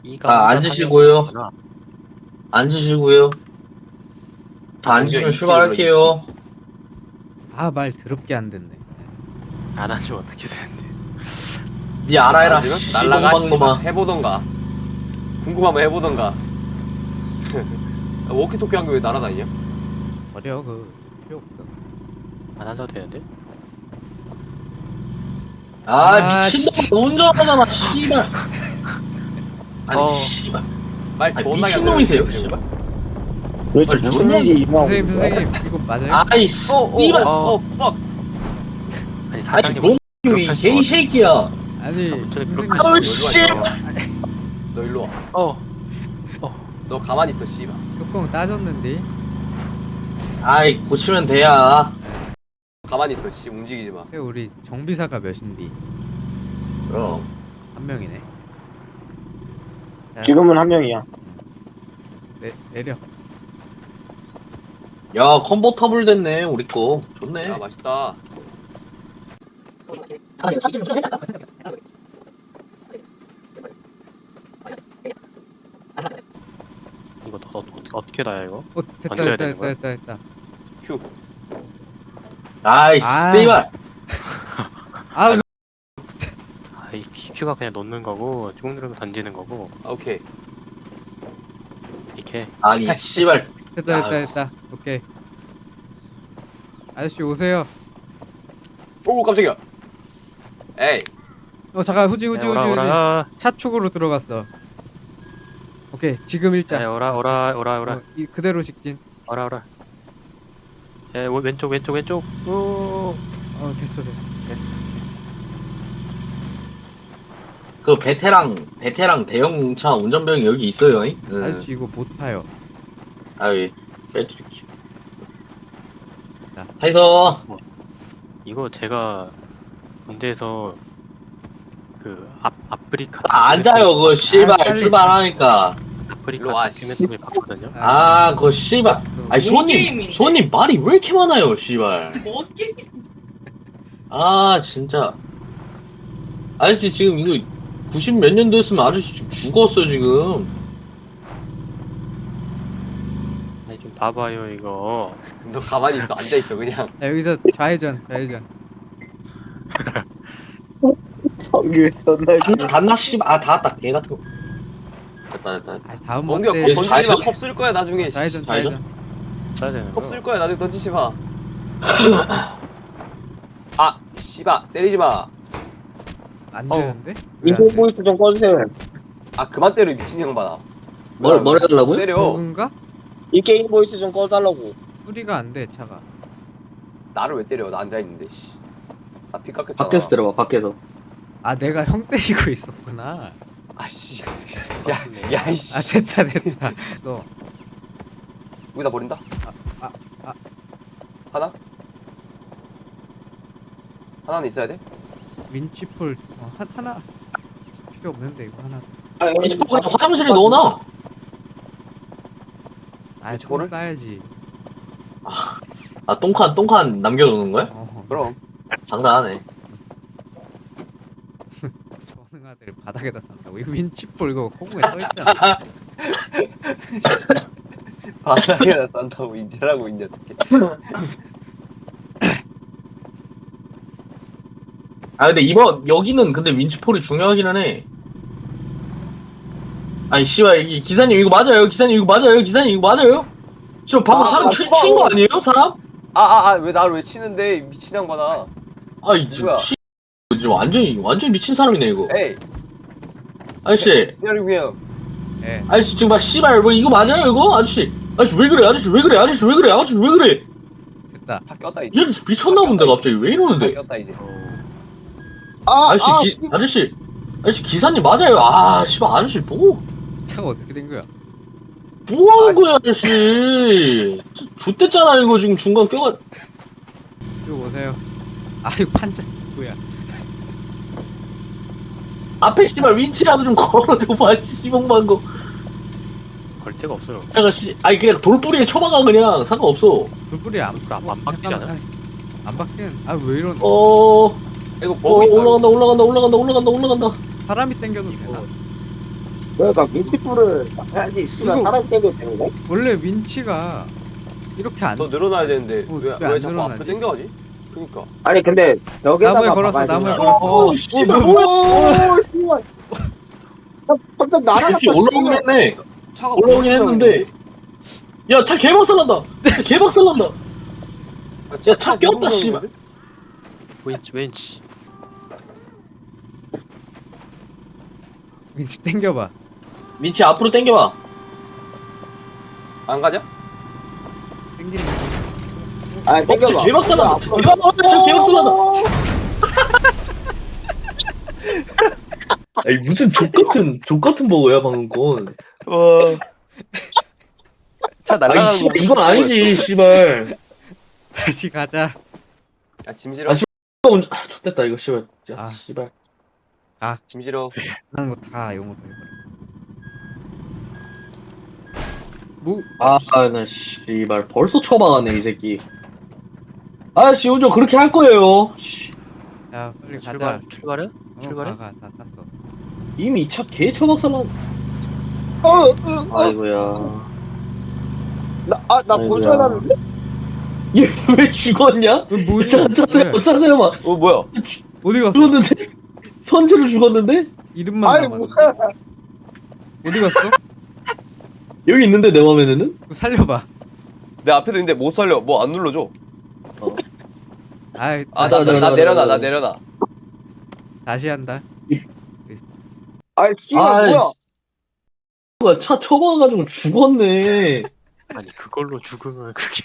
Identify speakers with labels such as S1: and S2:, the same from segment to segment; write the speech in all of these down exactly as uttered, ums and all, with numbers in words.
S1: 이가
S2: 아,
S1: 혼자
S2: 앉으시고요.
S1: 사냥하는구나.
S2: 앉으시고요. 다 앉으시면 출발할게요.
S3: 아, 말 더럽게 안 듣네.
S1: 안 하면 어떻게 되는데?
S2: 니 알아해라.
S4: 앉으면
S2: 씨,
S4: 날라가
S2: 똥방
S4: 씨발.
S2: 놈아.
S4: 해보던가. 궁금하면 해보던가. 워키토키 한 게 왜 날아다니냐?
S3: 버려, 그 필요 없어.
S1: 안 하셔도 되는데?
S2: 아,
S3: 아,
S2: 미친놈 운전하잖아, 씨발. 아니,
S1: 어.
S2: 씨발.
S4: 말
S2: 아니,
S4: 존나게 안
S2: 미친놈이세요,
S4: 들리는데,
S2: 씨발.
S5: 왜
S2: 아니,
S5: 무슨
S2: 존나-
S5: 일이 일어나고
S3: 선생님,
S5: 있는 거야?
S3: 선생님, 이거 맞아요?
S2: 아이,
S4: 어, 어,
S2: 씨발.
S4: 어, 어, fuck.
S1: 아니
S2: 아니,
S1: 사장님
S2: 롱이 게이 쉐이키야.
S3: 아니,
S1: 저기
S3: 선생님.
S1: 그렇게
S2: 아우,
S4: 너
S2: 씨.
S4: 일로 와. 너 일로 와.
S1: 어.
S4: 너 가만히 있어, 씨발.
S3: 뚜껑 따졌는데.
S2: 아이, 고치면 돼야.
S4: 가만히 있어, 씨. 움직이지 마.
S3: 새 우리 정비사가 몇인디?
S2: 그럼.
S3: 한 명이네. 자,
S5: 지금은 한 명이야.
S3: 내, 내려.
S2: 야, 컨버터블 됐네, 우리 거. 좋네.
S4: 야, 맛있다.
S1: 이거 더, 어, 어떻게 나야 이거?
S3: 어, 됐다,
S1: 던져야
S3: 됐다,
S1: 되는
S3: 됐다,
S1: 거야?
S3: 됐다, 됐다.
S4: 큐.
S2: 아이,
S3: 아.
S2: 씨발.
S3: 아,
S1: 아, 이 디큐가 그냥 놓는 거고 쭉 누르면 던지는 거고
S4: 아, 오케이.
S1: 이렇게.
S2: 아니, 씨발.
S3: 됐다, 됐다,
S2: 아유.
S3: 됐다. 오케이. 아저씨 오세요.
S4: 오, 깜짝이야. 에이.
S3: 어, 잠깐, 후지, 후지,
S1: 야,
S3: 후지,
S1: 오라
S3: 후지.
S1: 오라.
S3: 차축으로 들어갔어. 오케이, 지금 일자.
S1: 야, 오라 오라 오라 오라
S3: 어, 이 그대로 직진.
S1: 오라 오라. 야, 오, 왼쪽 왼쪽 왼쪽. 오.
S3: 어, 됐어, 됐어.
S2: 그 베테랑, 베테랑 대형차 운전병이 여기 있어요, 잉? 응.
S3: 아저씨 이거 못 타요.
S2: 아이, 빼드릴게요.
S3: 자.
S2: 해서,
S1: 이거 제가 군대에서 그 앞, 아프리카
S2: 아, 앉아요, 그거, 씨발.
S3: 빨리.
S2: 출발하니까.
S1: 아프리카
S4: 일로 와, 씨.
S1: 다큐멘터리 봤거든요.
S2: 아, 그거, 씨발.
S3: 그
S2: 아니, 손님,
S6: 게임인데.
S2: 손님 말이 왜 이렇게 많아요, 씨발.
S6: 뭐 게임?
S2: 아, 진짜. 아저씨, 지금 이거 구십 몇 년도 했으면 아저씨 지금 죽었어, 지금.
S1: 아니 좀 봐봐요 이거.
S4: 너 가만히 있어. 앉아있어, 그냥.
S3: 자, 여기서 좌회전, 좌회전.
S5: 성규 존나
S2: 단나, 단나, 씨발. 아, 다 왔다, 개 같은 거. 됐다, 됐다. 됐다.
S3: 아, 다음
S4: 멍겨,
S3: 뭔데?
S4: 컵
S2: 계속
S4: 던지지 마.
S2: 좌회전.
S4: 컵 쓸 거야, 나중에. 씨.
S3: 좌회전,
S2: 좌회전?
S3: 좌회전.
S1: 써야 되는
S4: 컵
S1: 거.
S4: 쓸 거야, 나중에 던지지 마. 아, 씨발. 때리지 마.
S3: 안
S1: 어.
S3: 되는데? 왜안
S5: 인공
S3: 돼?
S5: 보이스 좀 꺼주세요.
S4: 아, 그만 때려, 미친 양반아.
S2: 뭘, 뭘 해달라고요?
S4: 때려.
S3: 버그인가?
S5: 이 게임 보이스 좀 꺼달라고.
S3: 수리가 안 돼, 차가.
S4: 나를 왜 때려? 나 앉아있는데, 씨. 나 피 깎였잖아.
S2: 밖에서 들어봐, 밖에서.
S3: 아, 내가 형 때리고 있었구나.
S4: 아씨. 야, 야, 이씨.
S3: 아, 됐다, 됐다. 너
S4: 여기다 버린다?
S3: 아, 아.
S4: 하나? 하나는 있어야 돼?
S3: 민치폴 어, 한 하나 필요 없는데 이거 하나.
S5: 아,
S2: 이 그냥 화장실에 넣어놔.
S3: 아,
S4: 저거를?
S3: 총 싸야지.
S2: 아, 똥칸, 똥칸 남겨놓는 거야?
S3: 어,
S4: 그럼.
S2: 장난하네.
S3: 저는 아들 바닥에다 싼다고. 이거 민치폴 이거 코공에 떠 있잖아.
S4: 바닥에다 싼다고 인제라고 있냐, 어떻게.
S2: 아, 근데 이번, 여기는 근데 윈치폴이 중요하기는 해. 아니, 씨발, 이 기사님 이거 맞아요? 기사님 이거 맞아요? 기사님 이거 맞아요? 저 방금
S4: 아,
S2: 사람
S4: 아,
S2: 친
S4: 아,
S2: 거
S4: 아.
S2: 아니에요? 사람?
S4: 아, 아, 아, 왜 나를 왜 치는데, 미친 양반아.
S2: 아이,
S4: 누구야?
S2: 씨, 이거 완전히, 완전히 미친 사람이네, 이거.
S4: 에이,
S2: 아저씨,
S4: 때리고 형.
S3: 예.
S2: 아저씨 지금 막 씨발, 뭐 이거 맞아요, 이거? 아저씨, 아저씨 왜 그래? 아저씨 왜 그래? 아저씨 왜 그래? 아저씨 왜 그래?
S3: 됐다.
S4: 다 꼈다,
S2: 이
S4: 이제.
S2: 아저씨 미쳤나 본데, 갑자기. 왜
S4: 다
S2: 이러는데?
S4: 꼈다, 이제.
S1: 어,
S2: 아저씨, 기, 아저씨, 아저씨 기사님 맞아요. 아, 씨발, 아저씨 뭐,
S3: 차가 어떻게 된 거야?
S2: 뭐 하는
S4: 아저씨.
S2: 거야, 아저씨. 좆됐잖아, 이거 지금 중간 껴가.
S3: 이거 보세요. 아, 이거 판자 뭐야?
S2: 앞에 씨발 윈치라도 좀 걸어줘봐, 씨봉만 거.
S1: 걸 데가 없어요.
S2: 내가 씨, 아니 그냥 돌뿌리에 쳐박아 그냥 상관없어.
S3: 불불이 안
S1: 안- 안 바뀌지 않아?
S3: 안 바뀌는. 아, 왜 이런?
S2: 어,
S4: 이거
S2: 어
S4: 버그 있다.
S2: 올라간다, 올라간다, 올라간다, 올라간다, 올라간다.
S3: 사람이 땡겨도
S1: 이거
S3: 되나?
S5: 그러니까 민치불을 해야지 씨발
S3: 이거-
S5: 사람 떼도 되는 거야?
S3: 원래 윈치가 이렇게 안
S4: 너 늘어나야 되는데
S3: 어,
S4: 왜,
S3: 왜안
S4: 왜 자꾸
S3: 늘어나지?
S4: 앞으로 당겨가지? 그니까
S5: 아니 근데 벽에다가
S3: 나무에 걸었어,
S5: 박아야
S3: 나무에
S5: 되는 거야.
S3: 걸었어.
S2: 오, 씨발.
S5: 오, 씨발. 나 갑자기 날아갔다.
S2: 뒤에 올라오긴 했네.
S4: 차가
S2: 올라오긴 했는데. 야, 다 개박살난다. 다 개박살난다. 야, 차 꼈다, 씨발.
S1: 왠지 왠지.
S3: 윈치 땡겨봐.
S2: 민치 앞으로 당겨봐.
S4: 안 가냐?
S3: 땡기는
S5: 아,
S2: 어,
S5: 땡겨봐.
S2: 저 개박살난다. 저
S5: 앞으로.
S2: 개박살난다. 저 개박살난다. 아니, 무슨 족같은, 족같은 버거야, 방금 건.
S4: 와. 차
S2: 아니,
S4: 날아가는 거.
S2: 씨발, 이건 아니지, 씨발.
S3: 다시 가자.
S4: 야, 짐 실어.
S2: 아, 씨. 아, 좋됐다, 이거, 씨발. 야,
S3: 아.
S2: 씨발.
S4: 짐 실어.
S3: 하는 거 다 용어로 해버려. 뭐
S2: 아, 아, 나, 씨발. 벌써 처박았네, 이 새끼. 아, 씨, 운전 그렇게 할 거예요. 씨,
S3: 야 빨리 가자.
S1: 출발 출발해?
S3: 어,
S1: 출발해?
S3: 가, 가, 다 탔어.
S2: 이미 차 개 처박살난.
S5: 어, 어, 어.
S2: 아이고야.
S5: 나, 아, 나
S2: 아이고야.
S5: 고쳐놨는데?
S2: 얘 왜 죽었냐?
S3: 왜 뭐?
S2: 차, 차세요,
S3: 왜?
S2: 차세요, 막.
S4: 어, 뭐야?
S3: 어디 갔어?
S2: 죽었는데? 선체로 죽었는데?
S3: 이름만
S5: 아니,
S3: 남았는데.
S5: 뭐야.
S3: 어디 갔어?
S2: 여기 있는데, 내 맘에는?
S3: 그거 살려봐.
S4: 내 앞에도 있는데 못 살려. 뭐 안 눌러줘.
S3: 아이,
S4: 아,
S3: 다시,
S4: 나, 나,
S2: 나, 나,
S4: 나
S2: 나,
S4: 내려놔,
S2: 나,
S4: 나
S2: 나.
S4: 내려놔.
S3: 다시 한다.
S5: 아이, 씨발,
S2: 아이,
S5: 뭐야.
S2: 뭐야, 차 처박아가지고 죽었네.
S1: 아니 그걸로 죽으면 그게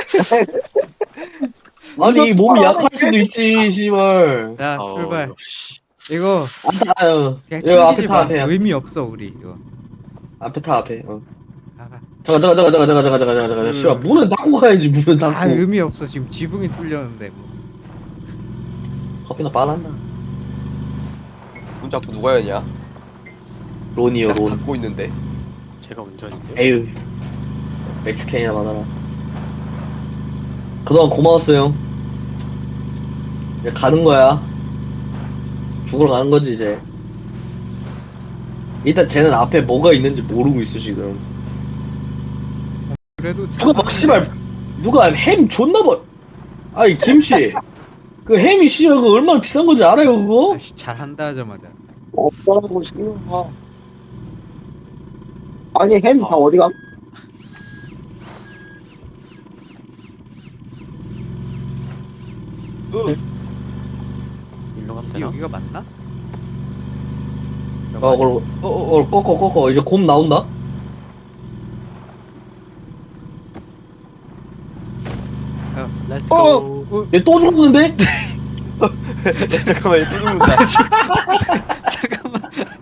S2: 아니,
S5: 이거
S2: 몸이
S5: 처박아야
S2: 약할
S5: 돼.
S2: 수도 있지, 씨발.
S3: 자
S1: 어,
S3: 출발.
S1: 씨.
S3: 이거
S2: 아, 아유.
S3: 그냥
S2: 이거 앞에
S3: 챙기지
S2: 타,
S3: 마.
S2: 앞에. 앞에.
S3: 의미 없어 우리 이거.
S2: 앞에 타, 앞에. 어.
S3: 가, 가.
S2: 잠깐, 잠깐, 잠깐, 잠깐, 잠깐, 잠깐, 잠깐, 잠깐,
S3: 음.
S2: 씨발, 문은 닫고 가야지, 문은 닫고.
S3: 아 의미 없어 지금 지붕이 뚫렸는데 뭐.
S2: 커피나 빨았나?
S4: 문 자꾸 누가 여냐?
S2: 론이요,
S4: 나
S2: 론.
S4: 닫고 있는데.
S1: 제가 운전인데.
S2: 에휴. 맥주캔이나 받아라. 그동안 고마웠어요. 이제 가는 거야. 죽으러 가는 거지, 이제. 일단 쟤는 앞에 뭐가 있는지 모르고 있어, 지금.
S3: 그래도
S2: 누가 막,
S3: 잘하는데.
S2: 씨발, 누가 햄 줬나 봐. 아이, 김씨. 그 햄이 씨발, 그거 얼마나 비싼 건지 알아요, 그거?
S3: 아씨 잘한다 하자마자.
S5: 없다고, 씨발. 아니, 햄 다 어디 가?
S1: 일로 가면
S3: 이
S1: 되나?
S3: 여기가 맞나?
S2: 어, 그걸, 어, 어, 어, 꺾어, 꺾어. 이제 곰 나온다?
S1: Let's
S5: 어!
S1: go.
S2: 얘 또 죽었는데?
S4: 잠깐만, 얘또 죽는다.
S3: 잠깐만.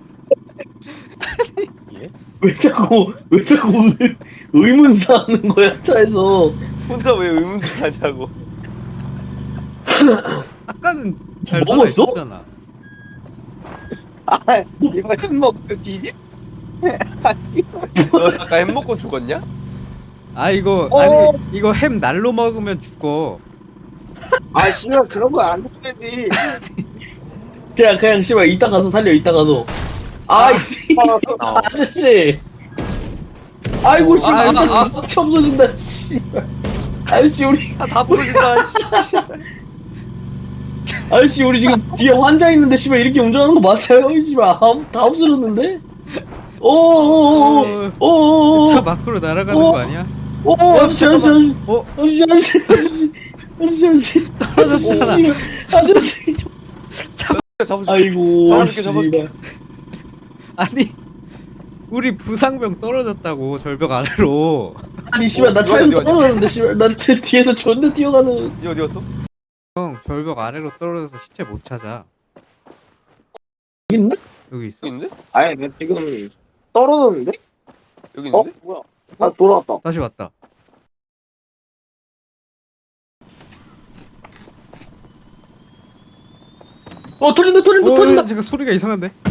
S1: 예?
S2: 왜 자꾸, 왜 자꾸 의- 의문사 하는 거야, 차에서.
S4: 혼자 왜 의문사 하냐고.
S3: 아까는 잘
S2: 먹었어?
S3: 살아있었잖아.
S5: 아, 이거 햄 먹고 뒤지?
S4: 너 아까 햄 먹고 죽었냐?
S3: 아 이거
S5: 어.
S3: 아니 이거 햄 날로 먹으면 죽어.
S5: 아, 씨발, 그런 거 안 되지.
S2: 그냥, 그냥, 씨발, 이따 가서 살려, 이따 가서. 아이씨,
S1: 어.
S2: 아저씨. 아이고, 씨발,
S3: 아,
S2: 아저씨,
S3: 아, 아.
S2: 수치 없어진다, 씨발. 아저씨, 우리,
S4: 다, 다 부러진다.
S2: 아저씨, 우리 지금 뒤에 환자 있는데, 씨발, 이렇게 운전하는 거 맞아요? 씨발, 아, 다 없어졌는데? 오오오오, 오오오,
S3: 차 밖으로 날아가는
S2: 어.
S3: 거 아니야?
S2: 오, 아저씨, 아저씨, 아저씨,
S3: 어
S2: 아저씨, 아저씨, 아저씨, 아저씨, 아저씨,
S3: 떨어졌잖아.
S2: 아저씨,
S4: 잡아줄게.
S2: 아이고,
S4: 잡아줄게, 잡아줄게.
S2: 씨발.
S3: 아니 우리 부상병 떨어졌다고 절벽 아래로.
S2: 아니, 씨발, 나
S4: 어디,
S2: 차에서
S4: 어디, 어디?
S2: 떨어졌는데, 씨발, 나 제 뒤에서 존나 뛰어가는.
S4: 니 어디 갔어?
S3: 형 절벽 아래로 떨어져서 시체 못 찾아.
S2: 여기 있는데?
S3: 여기 있어.
S4: 여기 있는데?
S5: 아니, 나 지금 떨어졌는데?
S4: 여기
S5: 어?
S4: 있는데?
S5: 뭐야? 아, 돌아왔다.
S3: 다시 왔다.
S2: 어, 털린다, 털린다,
S3: 어,
S2: 털린다.
S3: 잠깐 소리가 이상한데.